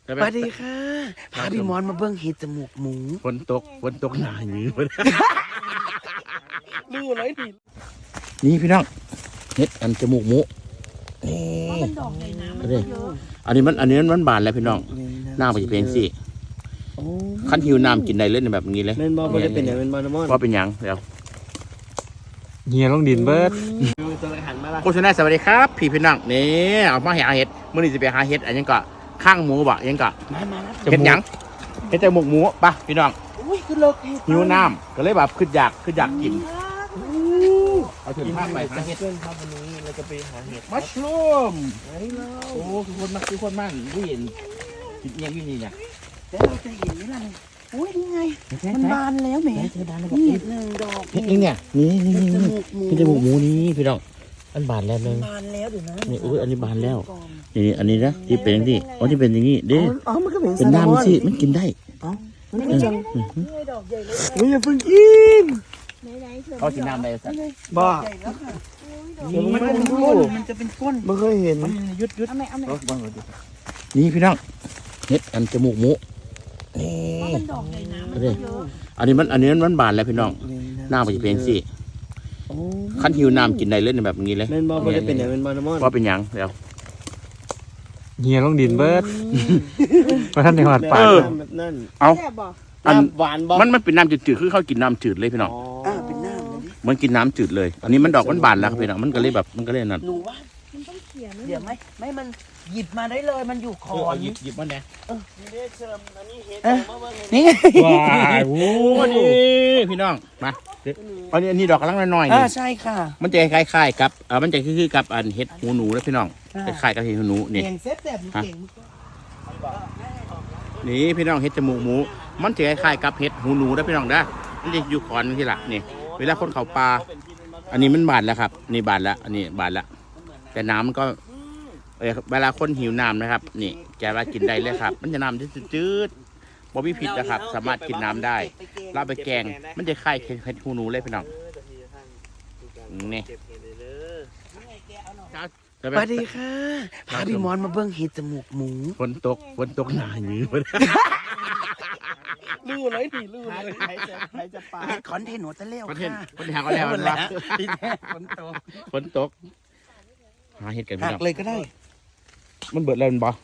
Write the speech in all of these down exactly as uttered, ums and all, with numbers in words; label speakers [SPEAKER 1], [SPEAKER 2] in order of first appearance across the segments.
[SPEAKER 1] สวัสดีค่ะพาพี่มอนมาเบิ้งเห็ดจมูกหมู
[SPEAKER 2] ฝนตกฝนตกหนาอย่างนี้
[SPEAKER 1] รู้เลยดิ
[SPEAKER 2] นี่พี่น้องเห็ดอันจมูกหมูนี่
[SPEAKER 3] มันดอกใหญ่นะมันเยอะ
[SPEAKER 2] อันนี้มันอันนี้มันบานแล้วพี่น้องน้ำไปจะเป็นสิขั้นหิวน้ำกินได้เลยแบบนี้เลย
[SPEAKER 1] เมนบอลไม่ได้เป็นอย่างเมนบอลมอน
[SPEAKER 2] ว่าเป็นยังเดี๋ยว
[SPEAKER 4] เฮียลงดินเบิร์ด
[SPEAKER 2] โฆษณาสวัสดีครับพี่พี่น้องนี่เอามาหาเห็ดเมื่อนี้จะไปหาเห็ดอันยังก็ข้างหมูบ่ยังก็เห็ดยังเห็ดจมูกหมูป่ะพี่น้องหิวน้ำก็เลยแบบขึ้นอยากขึ้นอยากกินเอาถึงภาพไปหาเห็ด
[SPEAKER 1] เพื่อนครับวันนี้เราจะไปหาเห็ด
[SPEAKER 2] มัชรูมโอ้คือคนมากคือคนมากผู้เห็นกินยังอยู่นี่เนี่ย
[SPEAKER 1] แล้วเราจะเห็นไหมล่ะอุ้ยนี่ไงมันบานแล้วแหมนี่หนึ่งดอก
[SPEAKER 2] เห็ดนี่เนี่ยนี่นี่นี่นี่จมูกหมูนี่พี่น้องอันบานแล้วเลย
[SPEAKER 1] บานแล้วเดี๋ยวนะ
[SPEAKER 2] นี่อุ้ยอันนี้บานแล้วนี่อันนี้นะที่เป็นอย่างนี้อ๋อที่เป็นอย่างนี้เด้
[SPEAKER 1] อ๋อมันก็เป็น
[SPEAKER 2] เป็นน้ำสิมันกินได้
[SPEAKER 1] อ๋อมันเป็นจัง
[SPEAKER 3] นี่ดอกใหญ่เลย
[SPEAKER 1] อุ้ยอย่าเพิ่งกิน
[SPEAKER 2] เขากินน้ำได้สัก
[SPEAKER 1] บ้า
[SPEAKER 3] มันเป็น
[SPEAKER 1] ก้นมันจะเป็นก้นไม่เคยเห็น
[SPEAKER 2] ยุดยุด
[SPEAKER 1] นี่
[SPEAKER 2] พี่น้องเห็ดอันจมูกหมูนี่
[SPEAKER 3] มันดอกใหญ่นะมันเยอะ
[SPEAKER 2] อันนี้มันอันนี้มันบานแล้วพี่น้องน้ำไปจะเป็นสิขั้นหิวน้ำกินได้เลยแบบนี้เลย
[SPEAKER 1] เมนบอลไม่ได้เป็นอย่างเมนบอลมอน
[SPEAKER 2] ว่าเป็นยังเดี๋ยว
[SPEAKER 4] เฮียลงดินเบิร์ดมาท่านในหอดปาก
[SPEAKER 1] นั่น
[SPEAKER 2] เอา
[SPEAKER 1] อันหวานบอ
[SPEAKER 2] มันมันเป็นน้ำจืดๆคือเขากินน้ำจืดเลยพี่น้อง
[SPEAKER 1] อ่าเป็นน้ำเลย
[SPEAKER 2] มันกินน้ำจืดเลยอันนี้มันดอกมันบานแล้วพี่น้องมันก็เลยแบบมันก็เลยนั่น
[SPEAKER 1] หนูว่า
[SPEAKER 3] มันต้องเขียน
[SPEAKER 1] เดี๋ยวไหมไม่มันหยิบมาได้เลยมันอยู่คอ
[SPEAKER 2] หยิบหยิบมันแดง
[SPEAKER 1] นี่
[SPEAKER 2] ว้าวโอ้นี่พี่น้องมาอันนี้อันนี้ดอกกำลังน้อยๆ
[SPEAKER 1] อ่า
[SPEAKER 2] นี่
[SPEAKER 1] ใช่ค่ะ
[SPEAKER 2] มันจะคล้ายๆกับอ่ามันจะคือกับอันเห็ดหูหนูนะพี่น้องคล้ายๆกับเห็ดหูหนูนี่นี่พี่น้องเห็ดจมูกหมูมันจะคล้ายๆกับเห็ดหูหนูนะพี่น้องนะมันจะอยู่ขอนที่หลักนี่เวลาคนเขาปลาอันนี้มันบานแล้วครับนี่บานแล้วอันนี้บานแล้วแต่น้ำมันก็เวลาคนหิวน้ำนะครับนี่แกว่ากินได้เลยครับมันจะน้ำจืดๆบ่มีผิดนะครับสามารถกินน้ำได้ลาบไปแกงมันจะคล้ายเห็ดหูหนูเลยพี่น้องนี่
[SPEAKER 1] สวัสดีค่ะพาพี่มอนมาเบิ้งเห็ดจมูกหมู
[SPEAKER 2] ฝนตกฝนตกหนาอย่างนี้
[SPEAKER 1] รู้เลยดิรู้เลยใครจะใครจะปาคอนเทนต์หัวตะเลี้ยวค่ะ
[SPEAKER 2] คอนเทนต์ก็แล้วนะ
[SPEAKER 1] ฝนตก
[SPEAKER 2] ฝนตกหาเห็ดกันพี่น้อง
[SPEAKER 1] เลยก็ได้
[SPEAKER 2] มันเบิดแล้วมันบ่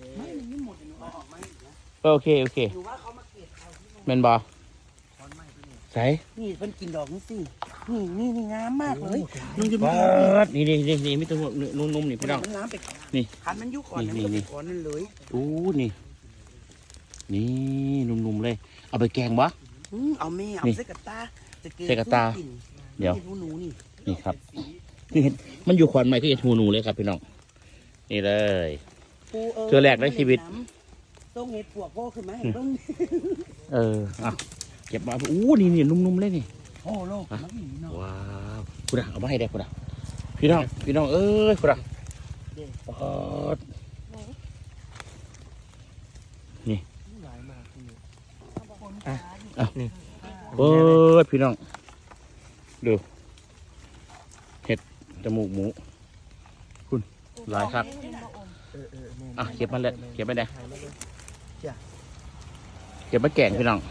[SPEAKER 2] โอเคโอเคแมนบ่ใส่
[SPEAKER 1] นี่เป็นกินดอกนี่สินี่นี่นี่งามมากเลย
[SPEAKER 2] นี่นี่นี่นี่ไม่ต้องนุ่มๆนี่พี่น้องนี่
[SPEAKER 1] ขันมันยุคก่อนนี่นี่ก่อนนั่นเลย
[SPEAKER 2] อู้นี่นี่นุ่มๆเลยเอาไปแกงบ่
[SPEAKER 1] เอาแม่เอาเสกตา
[SPEAKER 2] เสกตาเดี๋ยวนี่ครับนี่เห็นมันอยู่ขวัญใหม่ที่จะทูนูเลยครับพี่น้องนี่เลยเจอแรกในชีวิต
[SPEAKER 1] ต้องเห็ดปวกโก้ขึ้นไหมต้อง
[SPEAKER 2] เอออ่ะเก็บมาอู้นี่นี่นุ่มๆเลยนี่
[SPEAKER 1] โอ้โลก
[SPEAKER 2] ว้าวคุณเอามาให้ได้คุณอ่ะพี่น้องพี่น้องเอ้ยคุณอ่ะนี่อ่ะอ่ะนี่เปิดพี่น้องดูเห็ดจมูกหมูคุณหลายครับอ่ะเก็บมาเลยเก็บไปไหนเก็บมาแกงพี่น้อง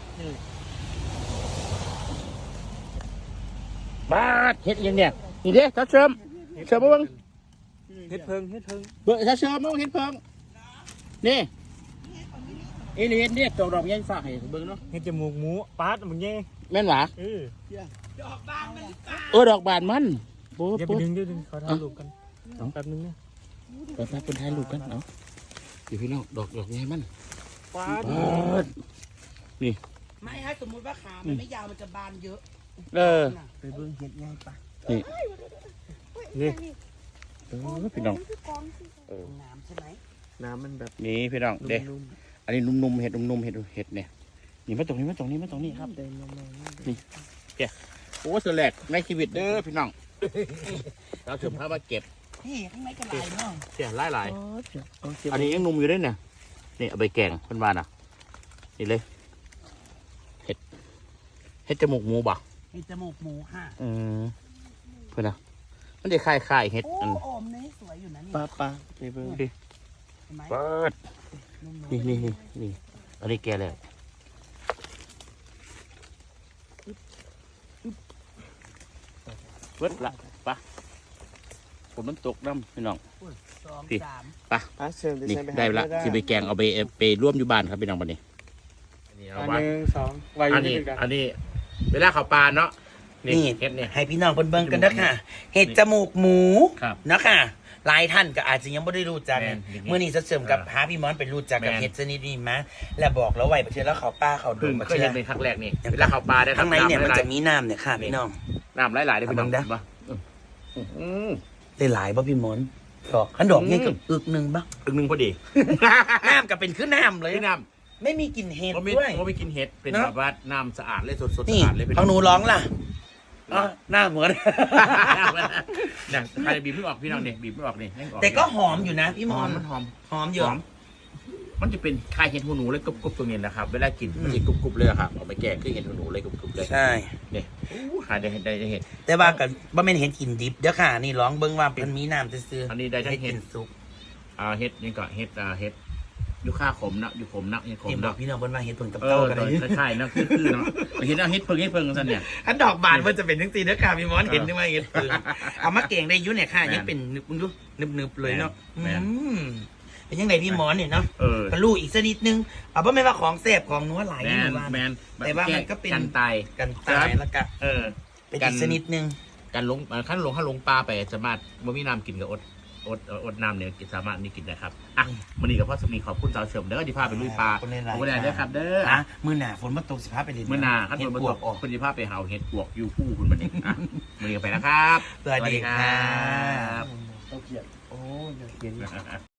[SPEAKER 2] บ้าเห็ดยังเนี่ยนี่เด้ถ้าเชิมเชิมมาบ้าง
[SPEAKER 1] เห็ดเพิงเห็ดเพิง
[SPEAKER 2] เบอร์ถ้าเชิมมาเห็ดเพิงนี่เอเลียนเนี่ยตัวดอกยังฝากให้เบิ้งเนาะ
[SPEAKER 4] เห็ดจมูกหมูปาดมึงเงี้ย
[SPEAKER 2] แม่นหวะ
[SPEAKER 4] เออ
[SPEAKER 2] ดอกบานมันเออดอกบานมัน
[SPEAKER 4] โป๊ะอย่าไปดึงดึงเขาถ่ายรูปกันแป๊บนึงเนี่ย
[SPEAKER 2] แป๊บแป๊บเป็นถ่ายรูปกันเนาะอยู่พี่น้องดอกดอกไงมัน
[SPEAKER 4] ปาด
[SPEAKER 2] นี่
[SPEAKER 1] ไม่ฮะสมมติว่าขามันไม่ยาวมันจะบานเยอะ
[SPEAKER 2] เออ
[SPEAKER 1] ไปเบิ้งเห็ดง่ายปะ
[SPEAKER 2] นี่นี่เออพี่น้อง
[SPEAKER 1] น้ำใช่ไหม
[SPEAKER 4] น้ำมันแบบ
[SPEAKER 2] นี่พี่น้องเด็กอันนี้นุ่มๆเห็ดนุ่มๆเห็ดเห็ดเนี่ยนี่มาตรงนี้มาตรงนี้มาตรงนี้ครับนี่แกโอ้สแลกในชีวิตเด้อพี่น้องเราถึงพามาเก็บ
[SPEAKER 1] นี่ข้างในกระไรเนาะ
[SPEAKER 2] เสียหลายหลายอันนี้ยังนุ่มอยู่ด้วยเนี่ยนี่เอาไปแกงเพื่อนบ้านอ่ะนี่เลยเห็ดเห็ดจมูกหมูบ่
[SPEAKER 1] เห็ดจมูกหมูค่ะ
[SPEAKER 2] อืมเพื่อนนะมันจะคล้ายคล้ายเห็ด
[SPEAKER 1] โอ้โอมนี่สวยอยู่นะนี่
[SPEAKER 4] ป้าป้าไปเบิ้งดิ
[SPEAKER 2] เปิดนี่นี่นี่นี่อันนี้แกแล้วเบิดละปะผมมันตกน้ำพี่น้อง
[SPEAKER 1] สอง
[SPEAKER 2] พี่
[SPEAKER 1] สาม
[SPEAKER 2] ปะนี่ได้ละสิไปแกงเอาไปไปร่วมอยู่บ้านครับพี่น้องบัดนี้อันนี้เอา
[SPEAKER 4] อัน
[SPEAKER 2] ไว้
[SPEAKER 4] หนึ่งสองไว้อ
[SPEAKER 2] อั
[SPEAKER 4] ยู่
[SPEAKER 2] น
[SPEAKER 4] ที่
[SPEAKER 2] นี้
[SPEAKER 4] กัน
[SPEAKER 2] อันนี้เวลาเขาปลาเนาะ
[SPEAKER 1] นี่
[SPEAKER 2] เห็ดเนี่ย
[SPEAKER 1] ให้พี่น้องเบิ่งๆกันนะค่ะ เห็ดจมูกหมู
[SPEAKER 2] ครับ
[SPEAKER 1] เนาะค่ะหลายท่านก็อาจจะยังไม่ได้รู้จัก
[SPEAKER 2] แม่
[SPEAKER 1] เนี่ย
[SPEAKER 2] น
[SPEAKER 1] เมื่อนี้เสริมกับ
[SPEAKER 2] เออ
[SPEAKER 1] พาพี่มอนไปรู้จักกับ
[SPEAKER 2] แม่น
[SPEAKER 1] เห็ดชนิดนี้มาแล้วบอกแล้วไว้ประเทศแล้วเขาป้าเขาดู
[SPEAKER 2] เพิ่ง
[SPEAKER 1] ประ
[SPEAKER 2] เค
[SPEAKER 1] เท
[SPEAKER 2] ย
[SPEAKER 1] ศ
[SPEAKER 2] เห็นในครั้งแรกนี่เวลาเขาปลาได้
[SPEAKER 1] ข้างในเนี่ยมัน
[SPEAKER 2] หลา
[SPEAKER 1] จะมีน้ำเนี่ยค่ะพี่น้อง
[SPEAKER 2] น้ำหลายๆได้พี่น้อง
[SPEAKER 1] เอาเบิ่งเด้อ
[SPEAKER 2] ปะอืม
[SPEAKER 1] ได้หลายป่ะพี่มอนดอกขันดอกเนี่ยกับอึกหนึ่งป่ะ
[SPEAKER 2] อึกหนึ่งพอดี
[SPEAKER 1] น้ำก็เป็นขึ้นน้ำเลย
[SPEAKER 2] พี่น้
[SPEAKER 1] ไม่มีกลิ่นเห็ด
[SPEAKER 2] ำผมไม่
[SPEAKER 1] ด้วย
[SPEAKER 2] ผมไม่กินเห็ดเป็น
[SPEAKER 1] เนอะ
[SPEAKER 2] แบบว่าน้ำสะอาดเลยสดๆ
[SPEAKER 1] นี่
[SPEAKER 2] สะอาดเลยพี่
[SPEAKER 1] ข
[SPEAKER 2] น้
[SPEAKER 1] อ
[SPEAKER 2] อง ง
[SPEAKER 1] หนูร้องล่ะอ๋อหน้าเหมือน
[SPEAKER 2] เนี่ยใครบีบไม่ออกพี่น้องเนี่ยบีบไม่ออกนี่ยังออก
[SPEAKER 1] แต่ก็หอมอยู่นะพี่
[SPEAKER 2] ห
[SPEAKER 1] ม
[SPEAKER 2] อ
[SPEAKER 1] อ
[SPEAKER 2] ม
[SPEAKER 1] น
[SPEAKER 2] มันหอม
[SPEAKER 1] หอมเยอะ
[SPEAKER 2] หอม มันจะเป็นคล้ายเห็ดหูหนูเลยกรุบๆตรงนี้นะครับ เวลากิน
[SPEAKER 1] อืม
[SPEAKER 2] มันจะกรุบๆเลยอะครับเอาไปแกงคือเห็ดหูหนูเลยกรุบๆเลย
[SPEAKER 1] ใช่
[SPEAKER 2] เนี่ยอู้หาได้เห็ดได้ได้เห็ด
[SPEAKER 1] แต่ว่ากับว่าเป็นเห็ดกินดิบเด้อค่ะ นี่ร้องเบิ้งว่าเป็นมีน้ำซื่อๆ
[SPEAKER 2] อันนี้ได้ทั้งเห็ด
[SPEAKER 1] กินซุป
[SPEAKER 2] อ่าเห็ดนี่ก็เห็ดอ่าเห็ดยูค่าขมนะยูขมนะเห็ดขม
[SPEAKER 1] เห็นบอก
[SPEAKER 2] นะ
[SPEAKER 1] พี่น้องเบิ้งว่าเห็ดผลกับ
[SPEAKER 2] เอ
[SPEAKER 1] เต้า
[SPEAKER 2] อ
[SPEAKER 1] กัน
[SPEAKER 2] ตัว
[SPEAKER 1] เลย
[SPEAKER 2] ใช่ๆนะคือคือเนาะเห็ดเอาเห็ดเพิ่งเห็ดเพิ่งกันเนี่ย
[SPEAKER 1] อันดอกบานมันจะเป็นทั้งสีเด้อค่ะพี่มอนเห็นได้ไหมเห็ดเพิ่งเอามาเก่งได้อยุ่เนี่ยค่ะ
[SPEAKER 2] แม่น
[SPEAKER 1] ยังเป็นนึบนึบนึบนึบเลยเนาะ
[SPEAKER 2] แม่น
[SPEAKER 1] อืมเป็นยังไงพี่มอนเนี่ยเนาะ
[SPEAKER 2] เออ
[SPEAKER 1] ก็รู้อีกสักนิดนึงเอาว่าไม่ว่าของแซ่บของนัวหลาย
[SPEAKER 2] แม
[SPEAKER 1] นี่ห
[SPEAKER 2] น
[SPEAKER 1] นูว่า
[SPEAKER 2] แมน
[SPEAKER 1] แต่ว่ามันก็เป็น
[SPEAKER 2] กันตาย
[SPEAKER 1] กันตายแล้วก็
[SPEAKER 2] เออ
[SPEAKER 1] เป็นอีกสักนิดนึง
[SPEAKER 2] การลงขั้นลงขั้นลงปลาไปสามารถบ่มีน้ำกินกับอดอดอดน้ำเนี่ยสามารถนี่กินได้ครับอ่ะมันนี่กับพ่อสมีขอบคุณสาวเฉิมเด้อที่พาไปลุยปลา
[SPEAKER 1] ขอบคุณหลายๆ
[SPEAKER 2] ขอบคุณหลายๆเด้อครับเด้อ
[SPEAKER 1] อ่ะมือหนาฝนมาตกสิพาไปเลย
[SPEAKER 2] เมื่อหนาขั้น
[SPEAKER 1] เห็
[SPEAKER 2] บ
[SPEAKER 1] ด
[SPEAKER 2] นบน
[SPEAKER 1] ปว
[SPEAKER 2] ต
[SPEAKER 1] ก
[SPEAKER 2] ก
[SPEAKER 1] ออก
[SPEAKER 2] คุณที่พาไปหาเห็ดปวกอยู่คู่คุณมันเองอ่ะมันนี่ไปแล้วครับ
[SPEAKER 1] สวัสดีครับ
[SPEAKER 2] โอ้ยเขียน